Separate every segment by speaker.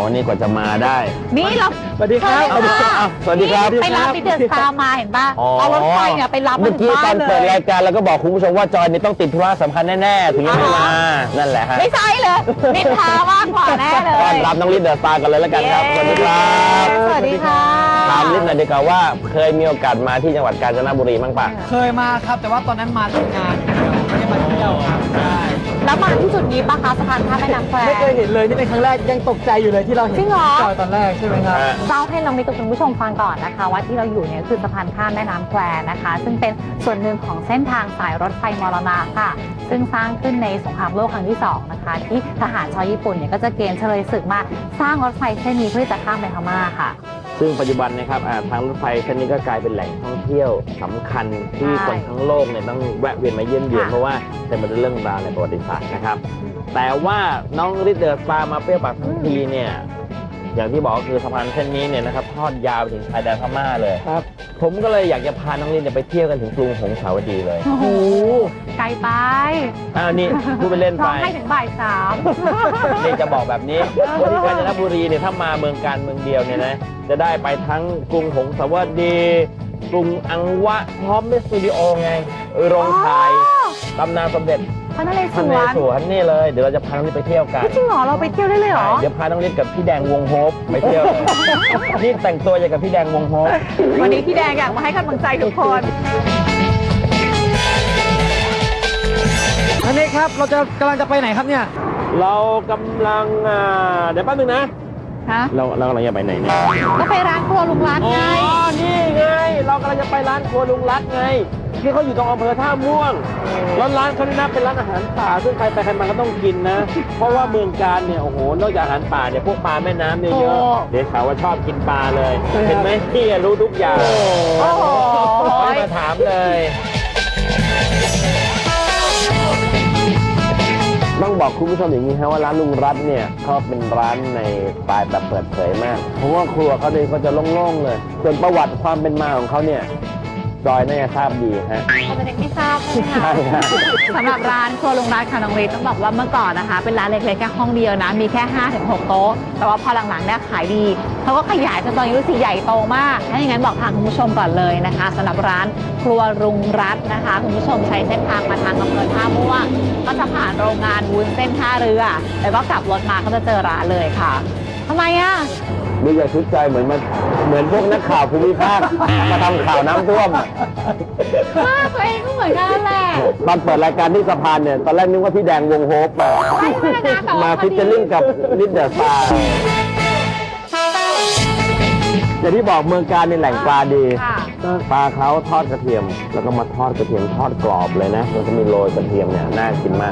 Speaker 1: นี่กว่าจะมาได้
Speaker 2: นี่เรา
Speaker 3: สวัสดีครับ
Speaker 1: สวัสดีครับ
Speaker 2: ไปรับลิเดอร์สตาร์มาเห็นป่ะเอารถไฟเนี่ยไปรับมา
Speaker 1: เมื่อ
Speaker 2: ถึ
Speaker 1: กี้
Speaker 2: งบ้า
Speaker 1: ตอน น
Speaker 2: เล
Speaker 1: เปิด
Speaker 2: ย
Speaker 1: รายการแล้วก็บอกคุณผู้ชมว่าจอยนี่ต้องติดธุระสำคัญแน่ๆถึงจะไม่มานั่นแหละฮะ
Speaker 2: ไม่ใช่เลยนินทามากกว่าแน่เลย
Speaker 1: ต้อนรับน้องลิศเดอะสตาร์กันเลยแล้วกันครับสวัสดีครับ
Speaker 2: สวัสดีค่ะ
Speaker 1: ถามลิศหน่อยดีกว่าว่าเคยมีโอกาสมาที่จังหวัดกาญจนบุรีบ้างปะ
Speaker 3: เคยมาครับแต่ว่าตอนนั้นมาทำงานไม่ได้มาเที่ยวครับใช่
Speaker 2: แล้วมาที่จุดนี้ปะคะสะพานข้ามแม่น้ำแคว
Speaker 3: ไม่เคยเห็นเลยนี่เป็นครั้งแรกยังตกใจอยู่เลยที่เราเห็นจอยตอนแรกใช่ไหมครับ
Speaker 2: เล่าให้น้องมิตรคุณผู้ชมฟังก่อนนะคะว่าที่เราอยู่เนี่ยคือสะพานข้ามแม่น้ำแควนะคะซึ่งเป็นส่วนหนึ่งของเส้นทางสายรถไฟมรณะค่ะซึ่งสร้างขึ้นในสงครามโลกครั้งที่2นะคะที่ทหารชาวญี่ปุ่นเนี่ยก็จะเกณฑ์เฉลยศึกมาสร้างรถไฟเส้นนี้เพื่อจะข้ามไปพม่าค่ะ
Speaker 1: ซึ่งปัจจุบันนะครับทางรถไฟเส้นนี้ก็กลายเป็นแหล่งท่องเที่ยวสำคัญที่คนทั้งโลกเนี่ยต้องแวะเวียนมาเยี่ยมเยือนเพราะว่าเต็มไปด้วยเรื่องราวในประวัติศาสตร์นะครับแต่ว่าน้องลิศเดอะสตาร์มาเปรี้ยวปากทั้งทีเนี่ยอย่างที่บอกก็คือสะพานเส้นนี้เนี่ยนะครับทอดยาวไปถึงชายแดนพม่าเลย
Speaker 3: ครับ
Speaker 1: ผมก็เลยอยากจะพาน้องลิศไปเที่ยวกันถึงกรุงหงสาวดีเลย
Speaker 2: โอ้โหไกลไป
Speaker 1: นี่พูดไปเล่นไป
Speaker 2: ร้องให้ถึงบ่าย3
Speaker 1: นี่จะบอกแบบนี้ที่กาญจนบุรีเนี่ยถ้ามาเมืองการเมืองเดียวเนี่ยนะจะได้ไปทั้งกรุงหงสาวดีกรุงอังวะพร้อมด้วยสตูดิโอไงโรงถ่ายตำนานสมเด็จ
Speaker 2: พระนเรศวร
Speaker 1: นี่เลยเดี๋ยวเราจะพาน้องลิศไปเที่ยวกัน
Speaker 2: จริงเหรอเราไปเที่ยวได้เลยเหรอ
Speaker 1: เดี๋ยวพาน้องลิศกับพี่แดงวงโฮปไปเที่ยวนี่แต่งตัวอย่างกับพี่แดงวงโฮป
Speaker 2: วันนี้พี่แดงอยากมาให้กำลังใจทุกคน
Speaker 3: อันนี้ครับเราจะกำลังจะไปไหนครับเนี่ย
Speaker 1: เรากำลังเดี๋ยวแป๊บนึงนะเรากำลังจะไปไหนเนี่ย
Speaker 2: ก็ไปร้านครัวลุงรัตไง
Speaker 1: นี่ไงเรากำลังจะไปร้านครัวลุงรัตไงที่เขาอยู่ตรงอำเภอท่าม่วงแล้วร้านเขาเนี่ยเป็นร้านอาหารป่าซึ่งใครไปใครมาก็ต้องกินนะเพราะว่าเมืองการเนี่ยโอ้โหนอกจากอาหารป่าเนี่ยพวกปลาแม่น้ำเนี่ยเยอะเดี๋ยวสาวว่าชอบกินปลาเลยเห็นไหมพี่รู้ทุกอย่าง
Speaker 2: โอ้โห
Speaker 1: ไม่มาถามเลยต้องบอกคุณผู้ชมอย่างนี้ครับว่าร้านลุงรัตเนี่ยเขาเป็นร้านในสไตล์แบบเปิดเผยมากเพราะว่าครัวเขาเนี่ยก็จะโล่งๆเลยส่วนประวัติความเป็นมาของเขาเนี่ยจอยน่าจะทราบดีฮะ
Speaker 2: เขาเป็นเด็กไม่ทราบใช่ไหมคะสำหรับร้านครัวลุงรัตค่ะน้องฤทธิ์ต้องบอกว่าเมื่อก่อนนะคะเป็นร้านเล็กๆแค่ห้องเดียวนะมีแค่ 5-6 โต๊ะแต่ว่าพอหลังๆเนี่ยขายดีเขาก็ขยายจนตอนนี้รู้สึกใหญ่โตมากถ้าอย่างนั้นบอกทางคุณผู้ชมก่อนเลยนะคะสำหรับร้านครัวลุงรัตนะคะคุณผู้ชมใช้เส้นทางมาทางอำเภอท่าม่วงก็จะผ่านโรงงานวุ้นเส้นท่าเรือแล้วก็กลับรถมาก็จะเจอร้านเลยค่ะทำไมอ่ะ
Speaker 1: ดูอย่าชุดใจเหมือนพวกนักข่าวภูมิภาคมาทำข่าวน้ำท่วม
Speaker 2: ตัวเองก็เหมือนกันแหละ
Speaker 1: ตอนเปิดรายการที่สะพานเนี่ยตอนแรกนึกว่าพี่แดงวงโฮปมาฟิชเชอร์ลิงกับลิศเดอะสตาร์อย่างที่บอกเมืองการในแหล่งปลาดีปลาเขาทอดกระเทียมแล้วก็มาทอดกระเทียมทอดกรอบเลยนะมันจะมีโรยกระเทียมเนี่ยน่ากินมาก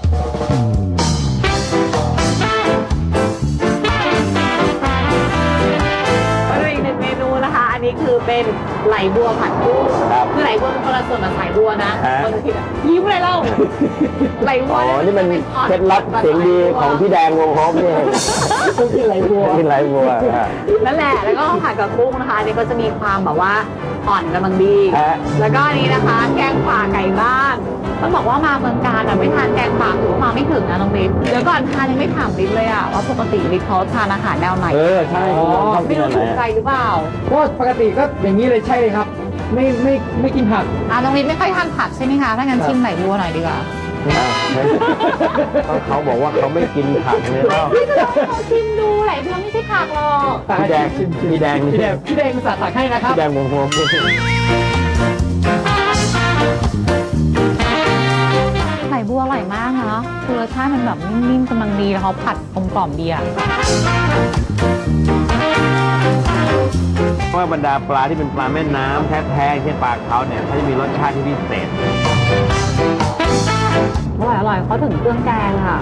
Speaker 2: อันนี้คือเป็นไหลบัวผัดกุ้งคือไหลบัวเป็นคนละส่วนกับสายบัวนะคนละทียิ้มเลยเล่าไหลบัว
Speaker 1: นี่มันเคล็ดลับเสียงดีของพี่แดงวงโฮปนี่
Speaker 3: กินไหลบัว
Speaker 1: กินไหลบัว
Speaker 2: นั่นแหละแล้วก็ผัดกับกุ้งนะคะอันนี้ก็จะมีความแบบว่าอ่อนกำลังดีแล้วก็อันนี้นะคะแกงป่าไก่บ้านต้องบอกว่ามาเมืองการไม่ทานแกงป่าถือว่ามาไม่ถึงนะน้องบิ๊กเดี๋ยวก่อนทานยังไม่ถามบิ๊กเลยอะว่าปกติบิ๊กเขาทานอาหารแนวไหน
Speaker 1: ใช่
Speaker 2: ไม่รู้ถูกใจหรือเปล่า
Speaker 3: ก็ปกติก็อย่างนี้เลยใช่เลยครับไม่กินผัก
Speaker 2: น้องบิ๊กไม่ค่อยทานผักใช่ไหมคะถ้างั้นชิมไหลบัวหน่อยดีกว่า
Speaker 1: เขาบอกว่าเขาไม่กินผักเลยแล้ว
Speaker 2: ชิมดูไหลบัวไม่ใช่ผักหรอก
Speaker 1: พี่แดง
Speaker 3: สาดตักให้นะครับ
Speaker 1: พี่แดงวงโฮป
Speaker 2: ไหลบัวอร่อยมากเนาะคือรสชาติมันแบบนิ่มๆกำลังดีแล้วเขาผัดกลมๆดีอะ
Speaker 1: เพราะว่าบรรดาปลาที่เป็นปลาแม่น้ำแท้ๆเช่นปลาเขาเนี่ยเขาจะมีรสชาติที่พิเศษ
Speaker 2: อร่อยเขาถึงเครื่องแกงค่ะ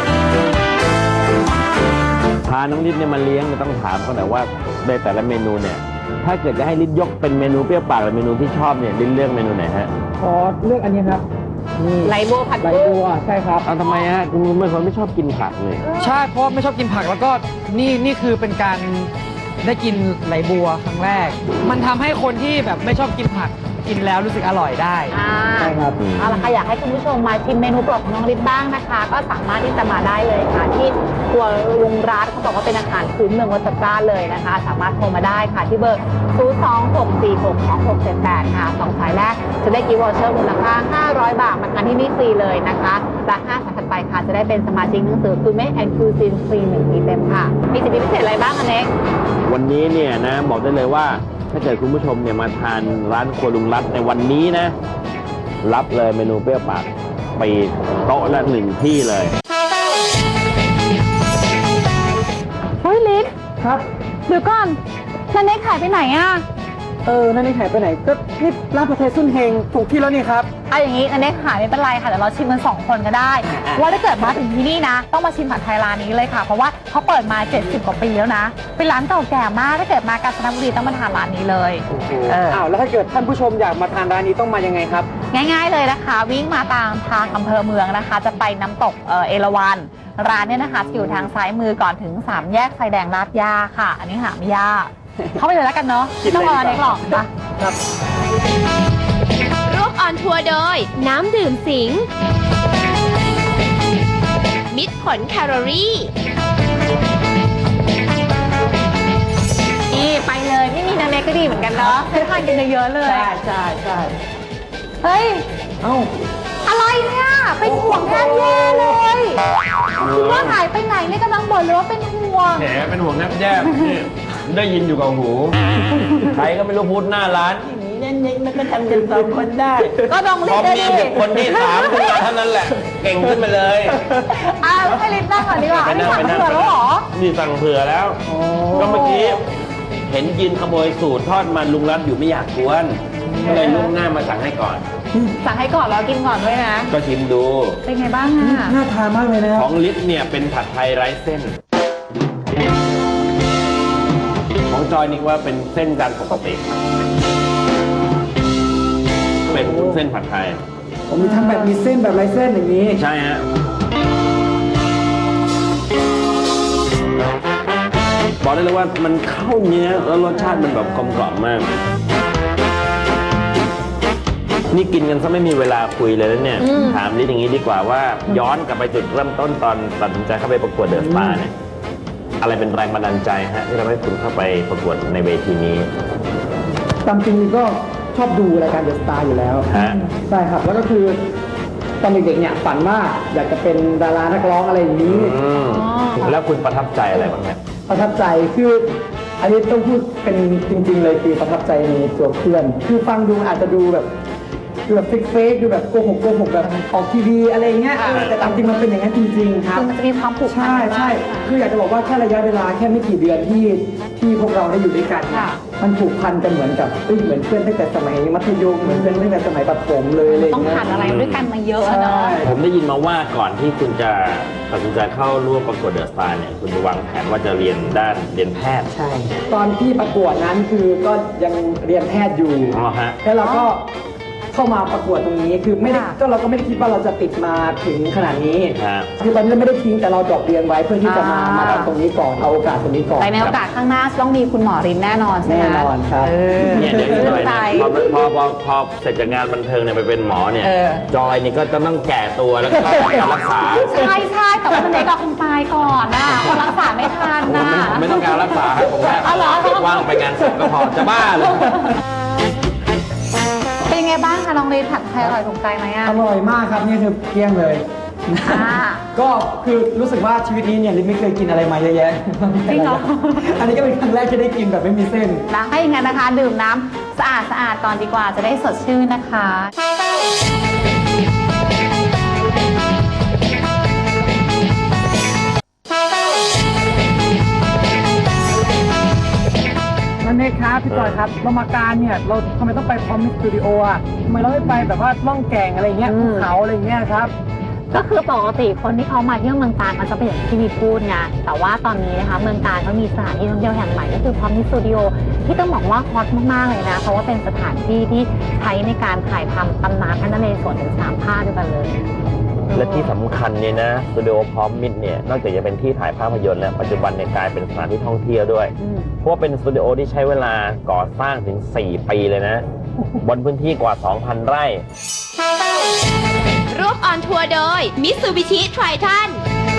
Speaker 1: พาน้องลิศเนี่ยมาเลี้ยงต้องถามเขาหน่อยว่าในแต่ละเมนูเนี่ยถ้าเกิดจะให้ลิศยกเป็นเมนูเปรี้ยวปากหรือเมนูที่ชอบเนี่ยลิศเลือกเมนูไหนฮะ
Speaker 3: ขอเลือกอันนี้ครับ
Speaker 2: ไหลบัวผัด
Speaker 3: ไหลบัวใช่ครับ
Speaker 1: ทำไมฮะคุณเป็นคนไม่ชอบกินผักเลย
Speaker 3: ใช่เพราะไม่ชอบกินผักแล้วก็นี่คือเป็นการได้กินไหลบัวครั้งแรกมันทำให้คนที่แบบไม่ชอบกินผักกินแล้วรู้สึกอร่อยได้
Speaker 2: ใช่ครับเอาละค่ะอยากให้คุณผู้ชมมาชิมเมนูโปรดของน้องฤทธิ์บ้างนะคะ ก็สามารถที่จะมาได้เลยค่ะที่ครัวลุงรัฐเขาบอกว่าเป็นอาหารพื้นเมืองวัดสะกร้าเลยนะคะ สามารถโทรมาได้ค่ะที่เบอร์ 026462678 ค่ะ2 สายแรกจะได้กิฟต์วอเชอร์มูลค่า500 บาทมาทานที่นี่ฟรีเลยนะคะและ5 สายถัดไปค่ะจะได้เป็นสมาชิกหนังสือคือเมคแอนด์คูซินฟรี1 ปีเต็มค่ะมีสิทธิพิเศษอะไรบ้างอันเน็ก
Speaker 1: วันนี้เนี่ยนะบอกได้เลยว่าถ้าเกิดคุณผู้ชมเนี่ยมาทานร้านครัวลุงรัฐในวันนี้นะ รับเลยเมนูเปรี้ยวปากไปโต๊ะละ1 ที่เลย
Speaker 2: เฮ้ยลิศ
Speaker 3: ครับ
Speaker 2: เดี๋ยวก่อนนันเน็กขายไปไหนอะ
Speaker 3: นั่นนี่หายไปไหนก็นี่ร้านผัดไทยซุนเฮงถูกที่แล้วนี่ครับ
Speaker 2: เอาอย่างนี้นันเน็กขายไม่เป็นไรค่ะเดี๋ยวเราชิมกัน2 คนก็ได้ว่าถ้าเกิดมาถึงที่นี่นะ ต้องมาชิมผัดไทยร้านนี้เลยค่ะ เพราะว่าเขาเปิดมา70 กว่าปีแล้วนะเป็นร้านเก่าแก่มากถ้าเกิดมากาญจนบุรีต้องมาทานร้านนี้เลย
Speaker 3: อ้าว แล้วถ้าเกิดท่านผู้ชมอยากมาทานร้านนี้ต้องมายังไงครับ
Speaker 2: ง่ายๆเลยนะคะ วิ่งมาตามทางอำเภอเมืองนะคะ จะไปน้ำตกเอราวัณร้านเนี่ยนะคะอยู่ทางซ้ายมือก่อนถึง3 แยกไฟแดงลาดย่าค่ะ อันนี้หาไม่ยากเข้าไปเลยแล้วกันเนาะ
Speaker 3: กินเลย
Speaker 2: ต้องรอเน็กหรอกปะ
Speaker 3: ครับ
Speaker 4: ร่วมออนทัวร์โดย น้ำดื่มสิง มิตรผลแคลอรี่
Speaker 2: นี่ไปเลยไม่มีนันเน็กก็ดีเหมือนกันเนาะให้ทานกันเยอะๆเลย
Speaker 3: ใช่
Speaker 2: เฮ้ย
Speaker 3: เอ้า
Speaker 2: อะไรเนี่ยเป็นห่วงแทบแย่เลยคิดว่าหายไปไหนเนี่ยกำลังบ่นเลยว่าเป็นห่วง
Speaker 1: แหมเป็นห่วงแนบแย่นี่ได้ยินอยู่กับหู ใครก็ไม่รู้พูดหน้าร้านนี่นั่นนี่มันก็ทำกัน2 คนได้
Speaker 2: ก็ลอง
Speaker 1: พ
Speaker 2: ลิ
Speaker 1: อ
Speaker 2: ศเลย
Speaker 1: มี
Speaker 2: ดิ
Speaker 1: คนที่3ขึ้นมาเท่านั้นแหละ เก่งขึ้นมาเลย
Speaker 2: ให้ลิศนั่งก่อนดีกว่าอันนี้สั่งเผื่อแล้วเหรอ
Speaker 1: นี่สั่งเผื่อแล้ว ก็เมื่อกี้เห็นยืนขโมยสูตรทอดมันลุงรัฐอยู่ไม่อยากกวนก็เลยลุกหน้ามาสั่งให้ก่อน
Speaker 2: สั่งให้ก่อนแล้วกินก่อนด้วยนะ
Speaker 1: ก็ชิมดู
Speaker 2: เป็นไงบ้างอ่ะ
Speaker 3: น่าทานมากเลยนะครับ
Speaker 1: ของลิศเนี่ยเป็นผัดไทยไร้เส้น ของจอยนี่ว่าเป็นเส้นจานปกติ เป็นวุ้นเส้นผัดไทย
Speaker 3: ผมมีทั้งแบบมีเส้นแบบไร้เส้นอย่างนี้
Speaker 1: ใช่ฮะ บอกได้เลยว่ามันเข้าเนื้อแล้วรสชาติมันแบบกลมกล่อมมาก นี่กินกันซะไม่มีเวลาคุยเลยแล้วเนี่ย ถามลิศอย่างนี้ดีกว่าว่าย้อนกลับไปจุดเริ่มต้นตอนตัดสินใจเข้าไปประกวดเดอะสตาร์เนี่ย อะไรเป็นแรงบันดาลใจฮะที่ทำให้คุณเข้าไปประกวดในเวทีนี้
Speaker 5: ตามจริงก็ชอบดูรายการเดอะสตาร์อยู่แล้ว
Speaker 1: ฮะ
Speaker 5: ใช่ครับ แล้วก็คือตอนเด็กๆเนี่ยฝันว่าอยากจะเป็นดารานักร้องอะไรอย่างนี้
Speaker 1: อืมแล้วคุณประทับใจอะไรบ้างเนี่ย
Speaker 5: ประทับใจคืออันนี้ต้องพูดเป็นจริง ๆ เลยคือประทับใจในตัวเพื่อน คือฟังดูอาจจะดูแบบเฟกดูแบบโกหกแบบออกทีวีอะไรเงี้ยแต่ตามจริงมันเป็นอย่างนั้นจริง ๆ ครับ
Speaker 2: คือมันจะมีความผูกพัน
Speaker 5: ใช่ใช่คืออยากจะบอกว่าแค่ระยะเวลาแค่ไม่กี่เดือนที่พวกเราได้อยู่ด้วยกันเนี่ยมันผูกพันกันเหมือนกับเหมือนเพื่อนตั้งแต่สมัยมัธยมเหมือนเพื่อนตั้งแต่สมัยประถมเลยอะไร
Speaker 2: ต้อง
Speaker 5: เงี้ย
Speaker 2: ผ่านอะไรด้วยกันมาเยอะเนาะ
Speaker 1: ผมได้ยินมาว่าก่อนที่คุณจะตัดสินใจเข้าร่วมประกวดเดอะสตาร์เนี่ยคุณจะวางแผนว่าจะเรียนแพทย์
Speaker 5: ใช่ ตอนที่ประกวดนั้นคือก็ยังเรียนแพทย์อยู่
Speaker 1: อ๋อฮะ
Speaker 5: แล้วเราก็เข้ามาประกวดตรงนี้คือไม่ได้ก็เราก็ไม่ได้คิดว่าเราจะติดมาถึงขนาดนี้
Speaker 1: ฮะ
Speaker 5: คือตอนนี้เราไม่ได้ทิ้งแต่เราดรอปเรียนไว้เพื่อที่จะมาทำตรงนี้ก่อนเอาโอกาสตรงนี้ก่อน
Speaker 2: แต่ในโอกาสข้างหน้าต้องมีคุณหมอรินแน่นอนใช่ไหม
Speaker 5: แน่นอนครับ
Speaker 1: เนี่ยเดี๋ยวอีกหน่อย
Speaker 2: ใจ
Speaker 1: นะพอเสร็จจากงานบันเทิงเนี่ยไปเป็นหมอเนี่ย
Speaker 2: เออ
Speaker 1: จอยนี่ก็จะต้องแก่ตัวแล้วก็การรักษา
Speaker 2: ใช่แต่ว่านันเน็กก็คงตายก่อนนะเพราะรักษาไม่ทันนะ
Speaker 1: ผมไม่ต้องการรักษาครับผมแค่
Speaker 2: อ๋อเหรอ
Speaker 1: ว่างไปงานศพก็พอจะบ้าเลย
Speaker 2: เป็นยังไงบ้างคะน้องรินผัดไทยอร่อยถูกใจไหมอ่ะ
Speaker 5: อร่อยมากครับนี่คือเกลี้ยงเลย
Speaker 2: อ่า
Speaker 5: ก็คือรู้สึกว่าชีวิตนี้เนี่ยลิศไม่เคยกินอะไรมาเยอะแยะ
Speaker 2: จริงเหรอ
Speaker 5: อันนี้ก็เป็นครั้งแรกที่ได้กินแบบไม่มีเส้น
Speaker 2: นะถ้าอย่างนั้นนะคะ ดื่มน้ำสะอาดก่อนดีกว่าจะได้สดชื่นนะคะ
Speaker 5: นั่นเองครับพี่จอยครับเรามาการเนี่ยเราทำไมต้องไปพร้อมมิสตูดิโออ่ะทำไมเราไม่ไปแบบว่าล่องแก่งอะไรเงี้ย
Speaker 2: อืม
Speaker 5: ภูเขาอะไรเงี้ยครับ
Speaker 2: ก็คือปกติคนที่เขามาเที่ยวเมืองกาญมันจะเป็นอย่างที่มีพูดไงแต่ว่าตอนนี้นะคะเมืองกาญเขามีสถานที่ท่องเที่ยวแห่งใหม่ก็คือพร้อมมิสตูดิโอที่ต้องบอกว่าฮอตมากๆเลยนะเพราะว่าเป็นสถานที่ที่ใช้ในการถ่ายทำตำนานพระนเรศวรถึง3 ภาคด้วยกันเลย
Speaker 1: และที่สำคัญเนี่ยนะสตูดิโอพร้อมมิตรเนี่ยนอกจากจะเป็นที่ถ่ายภาพยนตร์แล้วปัจจุบันเนี่ยกลายเป็นสถานที่ท่องเที่ยวด้วย เพราะว่าเป็นสตูดิโอที่ใช้เวลาก่อสร้างถึง4 ปีเลยนะบนพื้นที่กว่า 2,000 ไร่
Speaker 4: ร่วมออนทัวร์โดย Mitsubishi Triton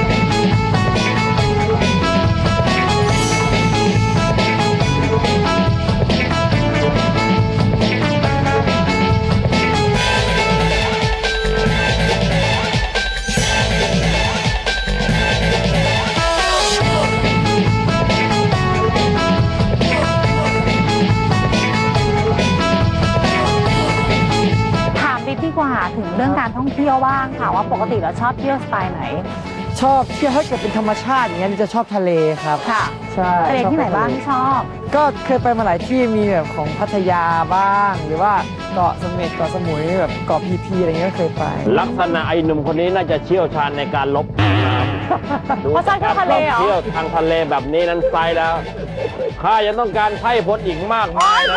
Speaker 2: ถามบิ๊กดีกว่าถึงเรื่องการท่องเที่ยวบ้างค่ะว่าปกติเราชอบเที่ยวสไตล์ไหน
Speaker 5: ชอบเที่ยวถ้าเกิดเป็นธรรมชาติอย่างเงี้ยจะชอบทะเลครับ
Speaker 2: ค่ะ
Speaker 5: ใช่
Speaker 2: ทะเลที่ไหนบ้าง
Speaker 5: ชอ
Speaker 2: ที่ชอบ
Speaker 5: ก็เคยไปมาหลายที่มีแบบของพัทยาบ้าง หรือว่าเกาะเสม็ดเกาะสมุยแบบเกาะพีพีอะไรเงี้ยก็เคยไป
Speaker 1: ลักษณะไอ้หนุ่มคนนี้น่าจะเชี่ยวชาญในการลบน้ำดู
Speaker 2: เพราะชอบเที่ยวทะเลเหรอ
Speaker 1: เที่ยวทางทะเลแบบนี้นั้นไซแล้วข้ายังต้องการไพ่พลอีกมากมายนะ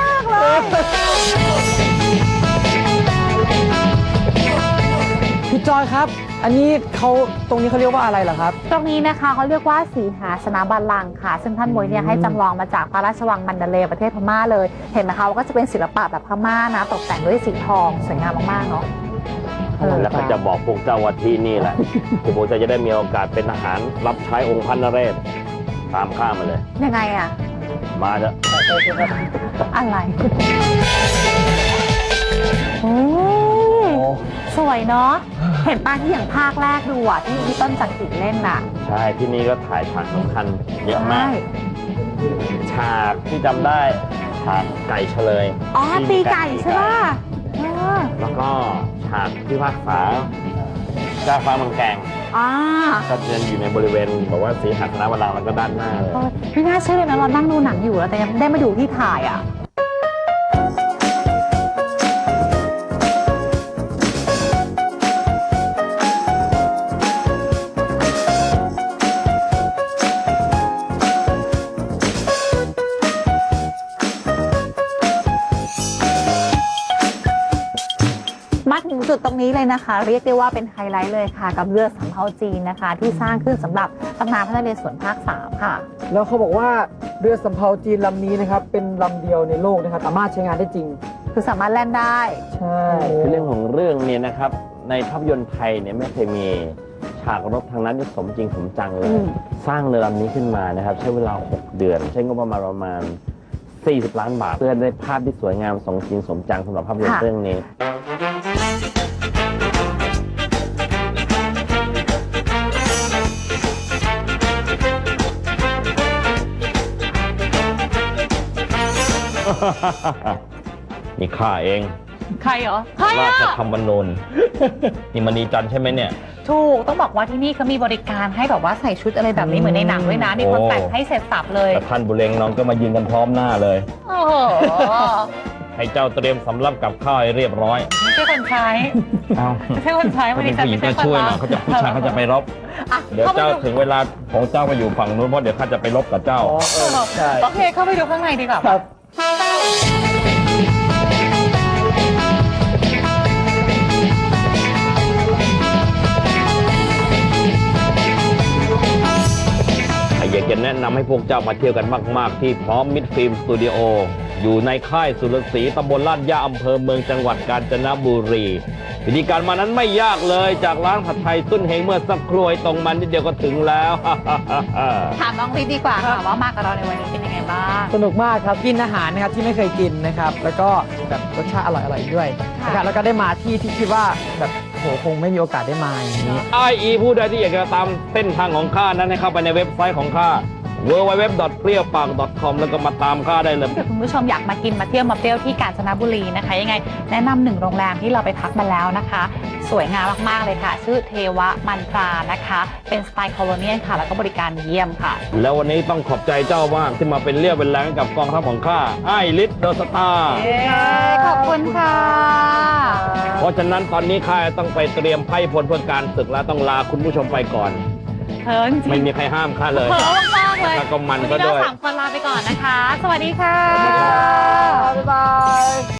Speaker 5: พี่จอยครับ อันนี้เขาตรงนี้เขาเรียกว่าอะไรเหรอครับ
Speaker 2: ตรงนี้นะคะเขาเรียกว่าสีหาสนบัลลังก์ค่ะ ซึ่งท่านมวยเนี่ยให้จำลองมาจากพระราชวังมันดาเลย์ประเทศพม่าเลย เห็นไหมคะว่าก็จะเป็นศิลปะแบบพม่านะ ตกแต่งด้วยสีทองสวยงามมากๆเนาะ
Speaker 1: แล้วก็จะบอกพวกเจ้าว่าที่นี่แหละที่ผมจะได้มีโอกาสเป็นทหารรับใช้องค์พระนเรศตามข้ามาเลย
Speaker 2: ยังไงอะ
Speaker 1: มาเถอะ
Speaker 2: อะไรโอ้ยสวยเนาะเห็นป้าที่อย่างภาคแรกดูอะที่พี่ต้นจักริดเล่นน่ะ
Speaker 1: ใช่ที่นี่ก็ถ่ายฉากสำคัญเยอะมาก
Speaker 2: ใช่
Speaker 1: ฉากที่จำได้ฉากไก่เฉลย
Speaker 2: อ๋อ
Speaker 1: ที่
Speaker 2: ตี
Speaker 1: มีาร
Speaker 2: ไก่ใช่ป่ะเออ
Speaker 1: แล้วก็ฉากที่ภาคษาเจ้าฟ้าเมืองแกง
Speaker 2: อ่า
Speaker 1: ก็จะอยู่ในบริเวณบอกว่าสีหาสนบัลลังก์แล้วก็ด้านหน้าเลย
Speaker 2: ไม่น่าเชื่อเลยนะเรานั่งดูหนังอยู่แล้วแต่ยังได้มาดูที่ถ่ายอ่ะ มาถึงจุดตรงนี้เลยนะคะ เรียกได้ว่าเป็นไฮไลท์เลยค่ะ กับเรือสำเภาจีนนะคะ ที่สร้างขึ้นสำหรับตำนานพระนเรศวรภาค 3 ค่ะ
Speaker 5: แล้วเขาบอกว่าเรือสำเภาจีนลำนี้นะครับเป็นลำเดียวในโลกนะครับสามารถใช้งานได้จริง
Speaker 2: คือสามารถแล่นได้
Speaker 5: ใช่
Speaker 1: คือเรื่องของเรื่องเนี่ยนะครับในภาพยนตร์ไทยเนี่ยไม่เคยมีฉากรบทางนั้นที่สมจริงสมจังเลย สร้างเรือลำนี้ขึ้นมานะครับใช้เวลา 6 เดือน ใช้งบประมาณ40 ล้านบาท เพื่อได้ภาพที่สวยงามสมจริงสมจังสำหรับภาพยนตร์
Speaker 2: ค่ะ
Speaker 1: เรื่องนี้ นี่ข้าเอง
Speaker 2: ใครเหรอ ใคร
Speaker 1: รา
Speaker 2: อ่ะ
Speaker 1: ชธรรมนูญนี่มณีจันทร์ใช่ไหมเนี่ย
Speaker 2: ถูก ต้องบอกว่าที่นี่เขามีบริการให้แบบว่าใส่ชุดอะไรแบบนี้เหมือนในหนังด้วยนะ มีคนแต่งให้เสร็จสับเลย
Speaker 1: แต่ท่านบุเรงน้องก็มายืนกันพร้อมหน้าเลย
Speaker 2: โอ้โห
Speaker 1: ให้เจ้าเตรียมสำรับกับข้าวให้เรียบร้อย
Speaker 2: ไม่ใช่คนใช้
Speaker 1: เอา
Speaker 2: ไม่ใช่คนใช้
Speaker 1: ถ้า
Speaker 2: วัน
Speaker 1: เป็
Speaker 2: นี้
Speaker 1: น
Speaker 2: ฉัน
Speaker 1: ผู้หญิ
Speaker 2: ไม่
Speaker 1: ง
Speaker 2: ใช่
Speaker 1: ก็
Speaker 2: คน
Speaker 1: ช่วยหน่
Speaker 2: รั
Speaker 1: อบ ยเขาจะผู้ชายเขาจะไปรบ
Speaker 2: อ่ะ
Speaker 1: เดี๋ยว
Speaker 2: เข้าไป
Speaker 1: เจ้า
Speaker 2: ดู
Speaker 1: ถึงเวลาของเจ้าไปอยู่ฝั่งนู้นเพราะเดี๋ยวข้าจะไปรบกับเจ้า
Speaker 5: ใช่
Speaker 2: โอเค เข้าไปดูข้างในดีกว่า
Speaker 5: ครับ
Speaker 1: อยากจะแนะนำให้พวกเจ้ามาเที่ยวกันมากๆ ที่พร้อมมิตรฟิล์มสตูดิโออยู่ในค่ายสุรศรีตำบลลาดย่าอำเภอเมืองจังหวัดกาญจนบุรีวิธีการมานั้นไม่ยากเลยจากร้านผัดไทยตุ้นเฮงเมื่อสักครู่ตรงมันนิดเดียวก็ถึงแล้ว
Speaker 2: ถามน้องฤทธิ์ดีกว่าค่ะว่ามากับเราในวันนี้เป็นยังไงบ้าง
Speaker 5: สนุกมากครับกินอาหารนะครับที่ไม่เคยกินนะครับ แล้วก็แบบรสชาติอร่อยๆด้วยนะครับแล้วก็ได้มาที่ที่คิดว่าแบบโหคงไม่มีโอกาสได้มาอย่างนี้
Speaker 1: IE ผู้ใดที่อยากจะตามเส้นทางของข้านั้นให้เข้าไปในเว็บไซต์ของข้า www.prieopang.com แล้วก็มาตามข้าได้เลย
Speaker 2: ถ้าเกิดคุณผู้ชมอยากมากินมาเที่ยวมาเปรี้ยวที่กาญจนบุรีนะคะ ยังไงแนะนำหนึ่งโรงแรมที่เราไปพักมาแล้วนะคะ สวยงามมากๆเลยค่ะ ชื่อเทวะมันตรานะคะ เป็นสไตล์โคโลเนียลค่ะ แล้วก็บริการเยี่ยมค่ะ
Speaker 1: แล้ววันนี้ต้องขอบใจเจ้ามากที่มาเป็นเรี่ยวเป็นแรงให้กับกองทัพของข้าไอ้ลิศเดอะสตาร์
Speaker 2: ขอบคุณค่ะ
Speaker 1: เพราะฉะนั้นตอนนี้ข้าต้องไปเตรียมไพ่พลเพื่อการศึกแล้วต้องลาคุณผู้ชมไปก่อน
Speaker 2: เพิร์นจริ
Speaker 1: ไม่
Speaker 2: ง
Speaker 1: มีใครห้ามข้าเลย
Speaker 2: เพิร์นมากๆเลย
Speaker 1: แล้วก็มัน
Speaker 2: วัน
Speaker 1: ก็
Speaker 2: นี้
Speaker 1: ด้
Speaker 2: เรา
Speaker 1: วย
Speaker 2: สามคนลาไปก่อนนะคะ สวัสดีค่ะ
Speaker 5: บ๊ายบาย